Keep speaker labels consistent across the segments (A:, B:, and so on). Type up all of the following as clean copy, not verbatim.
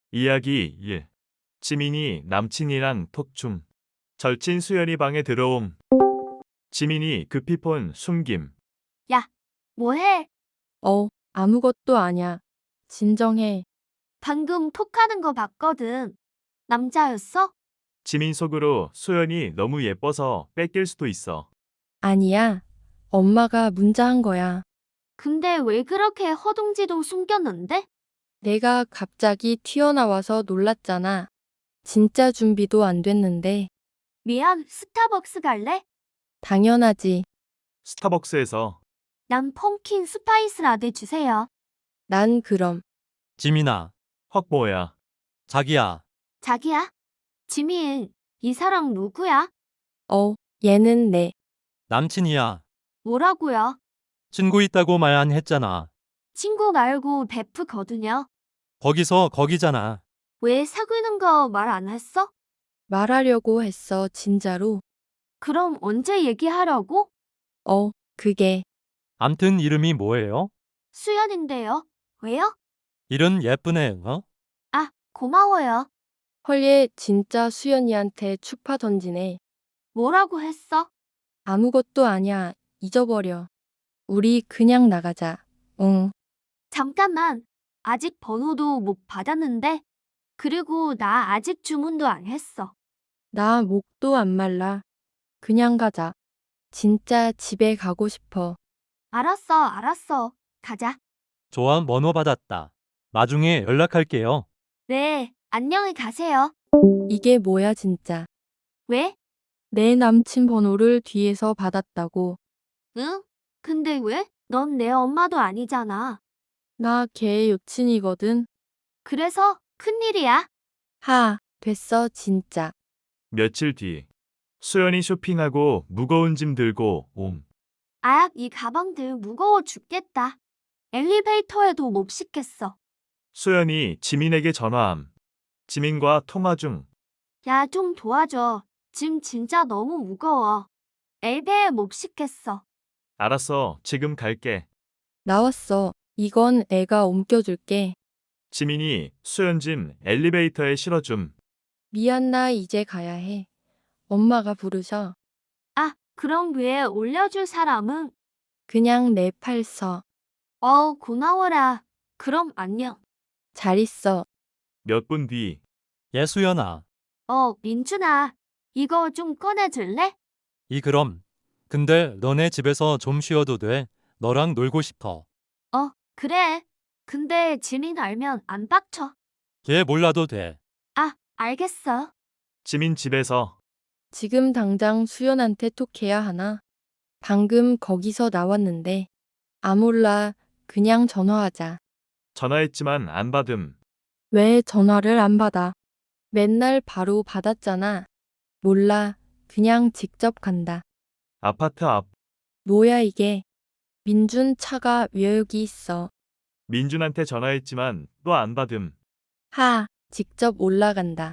A: 이야기 1. 지민이 남친이란 톡춤. 절친 수연이 방에 들어옴. 지민이 급히 폰 숨김.
B: 야, 뭐해?
C: 아무것도 아냐. 진정해.
B: 방금 톡하는 거 봤거든. 남자였어?
A: 지민 속으로 수연이 너무 예뻐서 뺏길 수도 있어.
C: 아니야. 엄마가 문자한 거야.
B: 근데 왜 그렇게 허둥지둥 숨겼는데?
C: 내가 갑자기 튀어나와서 놀랐잖아. 진짜 준비도 안 됐는데.
B: 미안, 스타벅스 갈래?
C: 당연하지.
A: 스타벅스에서
B: 난 펌킨 스파이스 라떼 주세요.
C: 난 그럼.
D: 지민아,
A: 헉 뭐야.
D: 자기야,
B: 자기야? 지민, 이 사람 누구야?
C: 얘는 내.
D: 남친이야.
B: 뭐라고요?
D: 친구 있다고 말 안 했잖아.
B: 친구 말고 베프거든요.
D: 거기서 거기잖아.
B: 왜 사귀는 거 말 안 했어?
C: 말하려고 했어, 진짜로.
B: 그럼 언제 얘기하려고?
C: 그게.
D: 암튼 이름이 뭐예요?
B: 수연인데요. 왜요?
D: 이름 예쁘네,
B: 아, 고마워요.
C: 헐얘 진짜 수연이한테 추파 던지네.
B: 뭐라고 했어?
C: 아무것도 아냐. 잊어버려. 우리 그냥 나가자. 응.
B: 잠깐만. 아직 번호도 못 받았는데. 그리고 나 아직 주문도 안 했어.
C: 나 목도 안 말라. 그냥 가자. 진짜 집에 가고 싶어.
B: 알았어. 가자.
D: 좋아, 번호 받았다. 나중에 연락할게요.
B: 네, 안녕히 가세요.
C: 이게 뭐야 진짜.
B: 왜?
C: 내 남친 번호를 뒤에서 받았다고.
B: 응? 근데 왜? 넌 내 엄마도 아니잖아.
C: 나 걔 여친이거든.
B: 그래서 큰일이야.
C: 됐어 진짜.
A: 며칠 뒤. 수연이 쇼핑하고 무거운 짐 들고 옴.
B: 아, 이 가방들 무거워 죽겠다. 엘리베이터에도 못 싣겠어.
A: 수연이 지민에게 전화함. 지민과 통화 중.
B: 야, 좀 도와줘. 짐 진짜 너무 무거워. 엘베에 못 싣겠어.
A: 알았어, 지금 갈게.
C: 나왔어. 이건 애가 옮겨줄게.
A: 지민이 수연 짐 엘리베이터에 실어줌.
C: 미안 나 이제 가야 해. 엄마가 부르셔.
B: 아, 그럼 위에 올려줄 사람은?
C: 그냥 내 팔 서.
B: 고마워라. 그럼 안녕.
C: 잘 있어.
A: 몇 분 뒤.
D: 예수연아,
B: 민준아. 이거 좀 꺼내줄래?
D: 그럼. 근데 너네 집에서 좀 쉬어도 돼. 너랑 놀고 싶어.
B: 그래. 근데 지민 알면 안 빡쳐.
D: 걔 몰라도 돼.
B: 아, 알겠어.
A: 지민 집에서.
C: 지금 당장 수연한테 톡해야 하나? 방금 거기서 나왔는데. 몰라. 그냥 전화하자.
A: 전화했지만 안 받음.
C: 왜 전화를 안 받아? 맨날 바로 받았잖아. 몰라. 그냥 직접 간다.
A: 아파트 앞.
C: 뭐야 이게? 민준 차가 왜 여기 있어?
A: 민준한테 전화했지만 또 안 받음.
C: 직접 올라간다.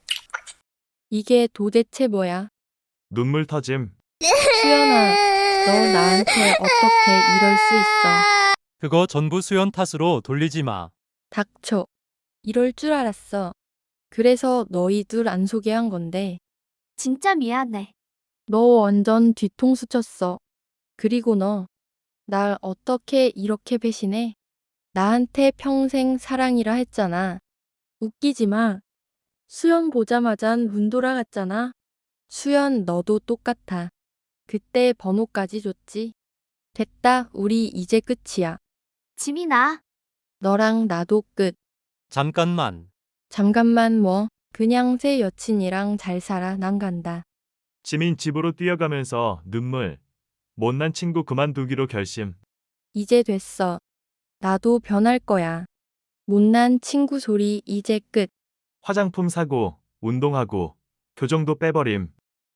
C: 이게 도대체 뭐야?
A: 눈물 터짐.
C: 수연아, 너 나한테 어떻게 이럴 수 있어?
D: 그거 전부 수연 탓으로 돌리지 마.
C: 닥쳐. 이럴 줄 알았어. 그래서 너희 둘 안 소개한 건데.
B: 진짜 미안해.
C: 너 완전 뒤통수 쳤어. 그리고 너, 날 어떻게 이렇게 배신해? 나한테 평생 사랑이라 했잖아. 웃기지 마. 수연 보자마잔 눈 돌아갔잖아. 수연 너도 똑같아. 그때 번호까지 줬지. 됐다, 우리 이제 끝이야.
B: 지민아.
C: 너랑 나도 끝.
D: 잠깐만.
C: 잠깐만 뭐, 그냥 새 여친이랑 잘 살아, 난 간다.
A: 지민 집으로 뛰어가면서 눈물. 못난 친구 그만두기로 결심.
C: 이제 됐어. 나도 변할 거야. 못난 친구 소리 이제 끝.
A: 화장품 사고, 운동하고, 교정도 빼버림.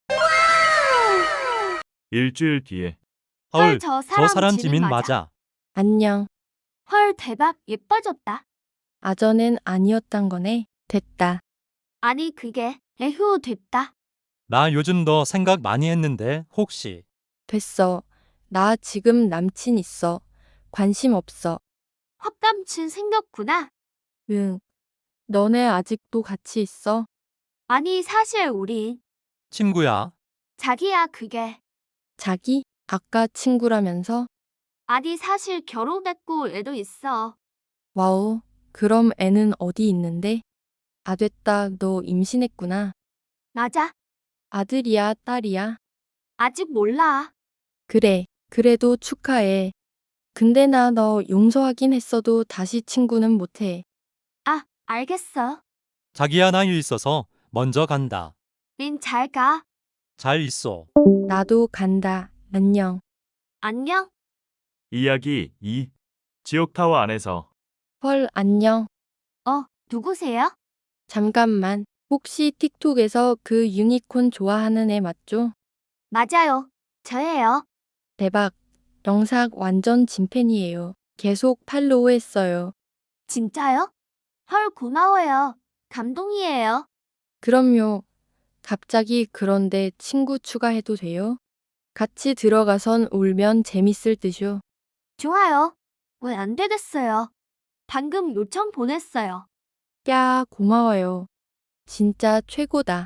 A: 일주일 뒤에.
D: 헐,
B: 저
D: 저 사람
B: 지민
D: 지민
B: 맞아.
D: 맞아.
C: 안녕.
B: 헐, 대박. 예뻐졌다.
C: 아전엔 아니었단 거네. 됐다.
B: 아니, 그게. 에휴, 됐다.
D: 나 요즘 너 생각 많이 했는데 혹시
C: 됐어. 나 지금 남친 있어. 관심 없어.
B: 헛감친 생겼구나.
C: 응. 너네 아직도 같이 있어?
B: 아니, 사실 우린.
D: 친구야.
B: 자기야, 그게.
C: 자기? 아까 친구라면서?
B: 아니, 사실 결혼했고 애도 있어.
C: 와우, 그럼 애는 어디 있는데? 아, 됐다. 너 임신했구나.
B: 맞아.
C: 아들이야, 딸이야?
B: 아직 몰라.
C: 그래, 그래도 축하해. 근데 나 너 용서하긴 했어도 다시 친구는 못해.
B: 아, 알겠어.
D: 자기야 나 일 있어서 먼저 간다.
B: 닌 잘 가.
D: 잘 있어.
C: 나도 간다. 안녕.
B: 안녕.
A: 이야기 2. 지옥타워 안에서
C: 헐, 안녕.
B: 누구세요?
C: 잠깐만. 혹시 틱톡에서 그 유니콘 좋아하는 애 맞죠?
B: 맞아요. 저예요.
C: 대박. 영상 완전 진팬이에요. 계속 팔로우 했어요.
B: 진짜요? 헐, 고마워요. 감동이에요.
C: 그럼요. 갑자기 그런데 친구 추가해도 돼요? 같이 들어가선 울면 재밌을 듯요.
B: 좋아요. 왜 안 되겠어요? 방금 요청 보냈어요.
C: 야, 고마워요. 진짜 최고다.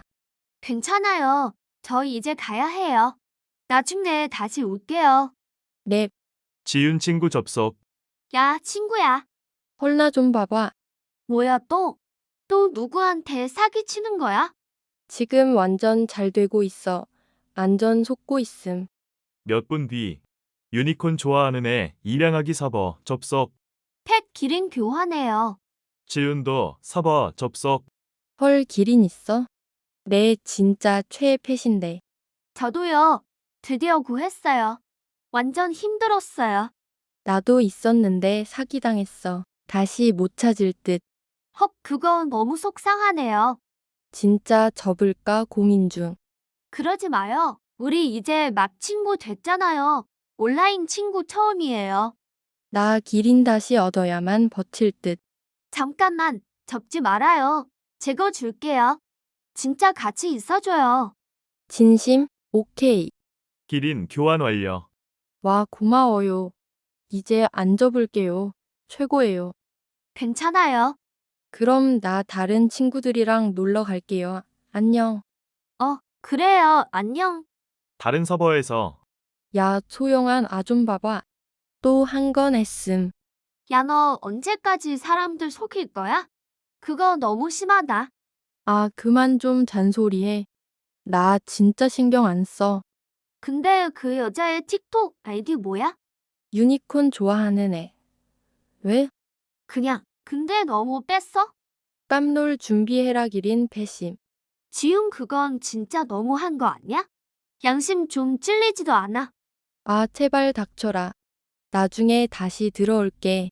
B: 괜찮아요. 저희 이제 가야 해요. 나중에 다시 올게요.
C: 랩,
A: 지윤 친구 접속.
B: 야, 친구야.
C: 헐 나 좀 봐봐.
B: 뭐야 또? 또 누구한테 사기치는 거야?
C: 지금 완전 잘 되고 있어. 안전 속고 있음.
A: 몇 분 뒤. 유니콘 좋아하는 애 입양하기 서버 접속.
B: 펫 기린 교환해요.
A: 지윤도 서버 접속.
C: 헐 기린 있어? 내 진짜 최애 펫인데.
B: 저도요. 드디어 구했어요. 완전 힘들었어요.
C: 나도 있었는데 사기당했어. 다시 못 찾을 듯.
B: 헉, 그건 너무 속상하네요.
C: 진짜 접을까 고민 중.
B: 그러지 마요. 우리 이제 막 친구 됐잖아요. 온라인 친구 처음이에요.
C: 나 기린 다시 얻어야만 버틸 듯.
B: 잠깐만, 접지 말아요. 제거 줄게요. 진짜 같이 있어줘요.
C: 진심? 오케이.
A: 기린 교환 완료.
C: 와 고마워요. 이제 안 접을게요. 최고예요.
B: 괜찮아요.
C: 그럼 나 다른 친구들이랑 놀러 갈게요. 안녕.
B: 그래요. 안녕.
A: 다른 서버에서
C: 야, 소영한 아 좀 봐봐. 또 한 건 했음.
B: 야, 너 언제까지 사람들 속일 거야? 그거 너무 심하다.
C: 아, 그만 좀 잔소리해. 나 진짜 신경 안 써.
B: 근데 그 여자의 틱톡 아이디 뭐야?
C: 유니콘 좋아하는 애. 왜?
B: 그냥. 근데 너무 뺐어?
C: 깜놀 준비해라 기린 배심.
B: 지금 그건 진짜 너무한 거 아니야? 양심 좀 찔리지도 않아.
C: 아, 제발 닥쳐라. 나중에 다시 들어올게.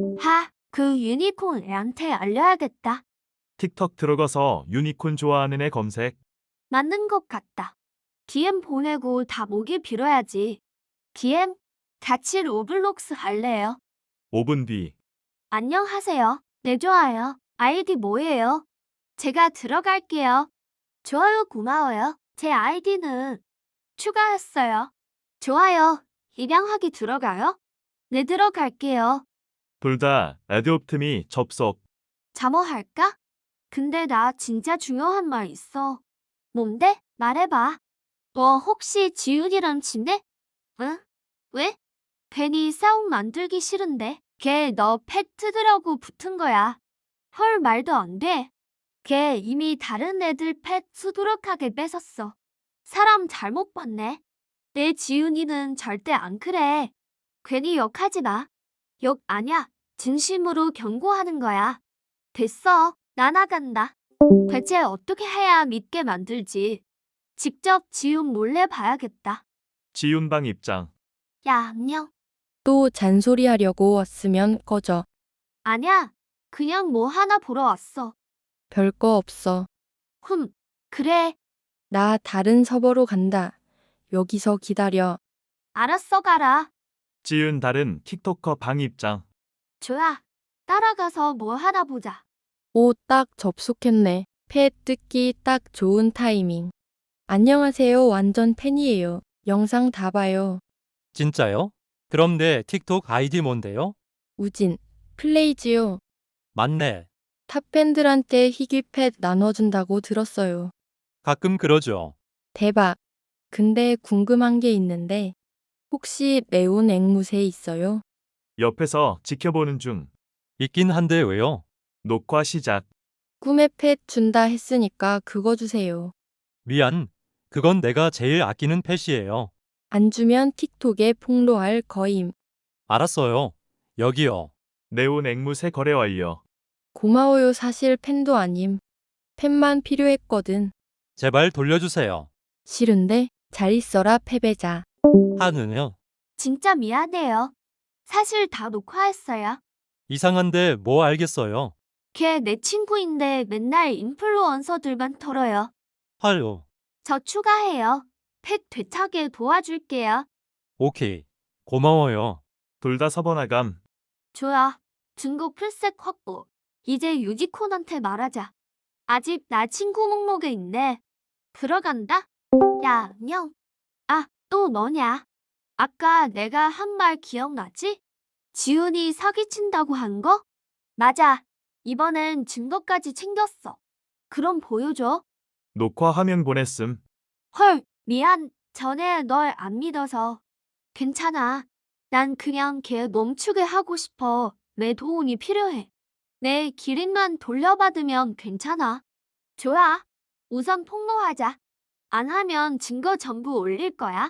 B: 그 유니콘 애한테 알려야겠다.
A: 틱톡 들어가서 유니콘 좋아하는 애 검색.
B: 맞는 것 같다. DM 보내고 다 목이 빌어야지. DM, 같이 로블록스 할래요?
A: 5분 뒤.
B: 안녕하세요. 네, 좋아요. 아이디 뭐예요? 제가 들어갈게요. 좋아요, 고마워요. 제 아이디는 추가했어요. 좋아요. 입양하기 들어가요? 네, 들어갈게요.
A: 둘 다 애드옵트미 접속.
B: 잠어할까? 근데 나 진짜 중요한 말 있어. 뭔데? 말해봐. 너 혹시 지훈이랑 친해? 응? 왜? 괜히 싸움 만들기 싫은데. 걔 너 펫 뜯으려고 붙은 거야. 헐, 말도 안 돼. 걔 이미 다른 애들 펫 수두룩하게 뺏었어. 사람 잘못 봤네. 내 지훈이는 절대 안 그래. 괜히 욕하지 마. 욕 아냐. 진심으로 경고하는 거야. 됐어. 나 나간다. 대체 어떻게 해야 믿게 만들지? 직접 지훈 몰래 봐야겠다.
A: 지윤 방 입장.
B: 야, 안녕.
C: 또 잔소리 하려고 왔으면 꺼져.
B: 아냐. 그냥 뭐 하나 보러 왔어.
C: 별거 없어.
B: 그래.
C: 나 다른 서버로 간다. 여기서 기다려.
B: 알았어, 가라.
A: 지윤 다른 틱토커 방 입장.
B: 좋아. 따라가서 뭐 하나 보자.
C: 오, 딱 접속했네. 펫 뜯기 딱 좋은 타이밍. 안녕하세요. 완전 팬이에요. 영상 다 봐요.
D: 진짜요? 그럼 내 틱톡 아이디 뭔데요?
C: 우진, 플레이지요.
D: 맞네.
C: 탑팬들한테 희귀 펫 나눠준다고 들었어요.
D: 가끔 그러죠.
C: 대박. 근데 궁금한 게 있는데 혹시 레온 앵무새 있어요?
A: 옆에서 지켜보는 중.
D: 있긴 한데 왜요?
A: 녹화 시작.
C: 꿈에 펫 준다 했으니까 그거 주세요.
D: 미안. 그건 내가 제일 아끼는 펫이에요.
C: 안 주면 틱톡에 폭로할 거임.
D: 알았어요. 여기요.
A: 네온 앵무새 거래 완료.
C: 고마워요. 사실 팬도 아님. 팬만 필요했거든.
D: 제발 돌려주세요.
C: 싫은데 잘 있어라 패배자.
D: 하는요.
B: 진짜 미안해요. 사실 다 녹화했어요.
D: 이상한데 뭐 알겠어요.
B: 걔 내 친구인데 맨날 인플루언서들만 털어요.
D: 헐요.
B: 저 추가해요. 펫 되찾게 도와줄게요.
D: 오케이. 고마워요.
A: 둘 다 서버나감.
B: 좋아. 중국 풀색 확보. 이제 유지콘한테 말하자. 아직 나 친구 목록에 있네. 들어간다. 야, 안녕. 아, 또 너냐? 아까 내가 한 말 기억나지? 지훈이 사기친다고 한 거? 맞아. 이번엔 증거까지 챙겼어. 그럼 보여줘.
A: 녹화 화면 보냈음.
B: 헐, 미안. 전에 널 안 믿어서. 괜찮아. 난 그냥 걔 멈추게 하고 싶어. 내 도움이 필요해. 내 기린만 돌려받으면 괜찮아. 좋아. 우선 폭로하자. 안 하면 증거 전부 올릴 거야.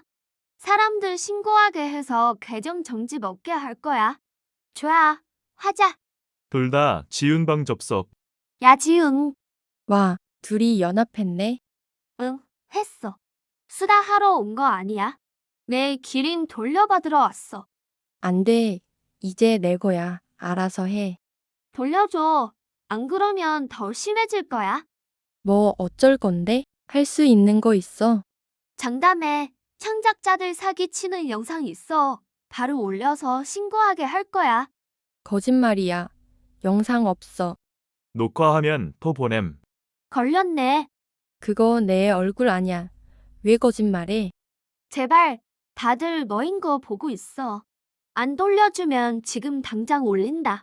B: 사람들 신고하게 해서 계정 정지 먹게 할 거야. 좋아. 하자.
A: 둘 다 지윤방 접속.
B: 야, 지응.
C: 와, 둘이 연합했네.
B: 응, 했어. 수다 하러 온 거 아니야. 내 기린 돌려받으러 왔어.
C: 안 돼. 이제 내 거야. 알아서 해.
B: 돌려줘. 안 그러면 더 심해질 거야.
C: 뭐 어쩔 건데? 할 수 있는 거 있어.
B: 장담해. 창작자들 사기치는 영상 있어. 바로 올려서 신고하게 할 거야.
C: 거짓말이야. 영상 없어.
A: 녹화 화면 토 보냄.
B: 걸렸네.
C: 그거 내 얼굴 아냐. 왜 거짓말해?
B: 제발. 다들 너인 거 보고 있어. 안 돌려주면 지금 당장 올린다.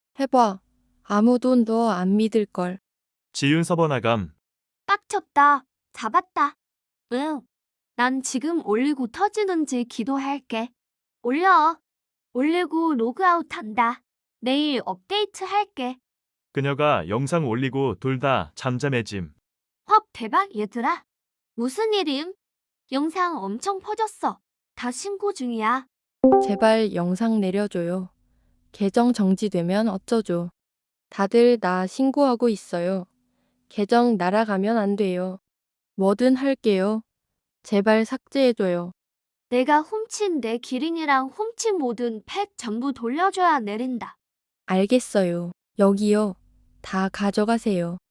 C: 해봐. 아무도 너 안 믿을걸.
A: 지윤 서버나감.
B: 빡쳤다. 잡았다. 응. 난 지금 올리고 터지는지 기도할게. 올려. 올리고 로그아웃 한다. 내일 업데이트 할게.
A: 그녀가 영상 올리고 둘 다 잠잠해짐.
B: 헉, 대박 얘들아. 무슨 일임? 영상 엄청 퍼졌어. 다 신고 중이야.
C: 제발 영상 내려줘요. 계정 정지되면 어쩌죠? 다들 나 신고하고 있어요. 계정 날아가면 안 돼요. 뭐든 할게요. 제발 삭제해줘요.
B: 내가 훔친 내 기린이랑 훔친 모든 팩 전부 돌려줘야 내린다.
C: 알겠어요. 여기요. 다 가져가세요.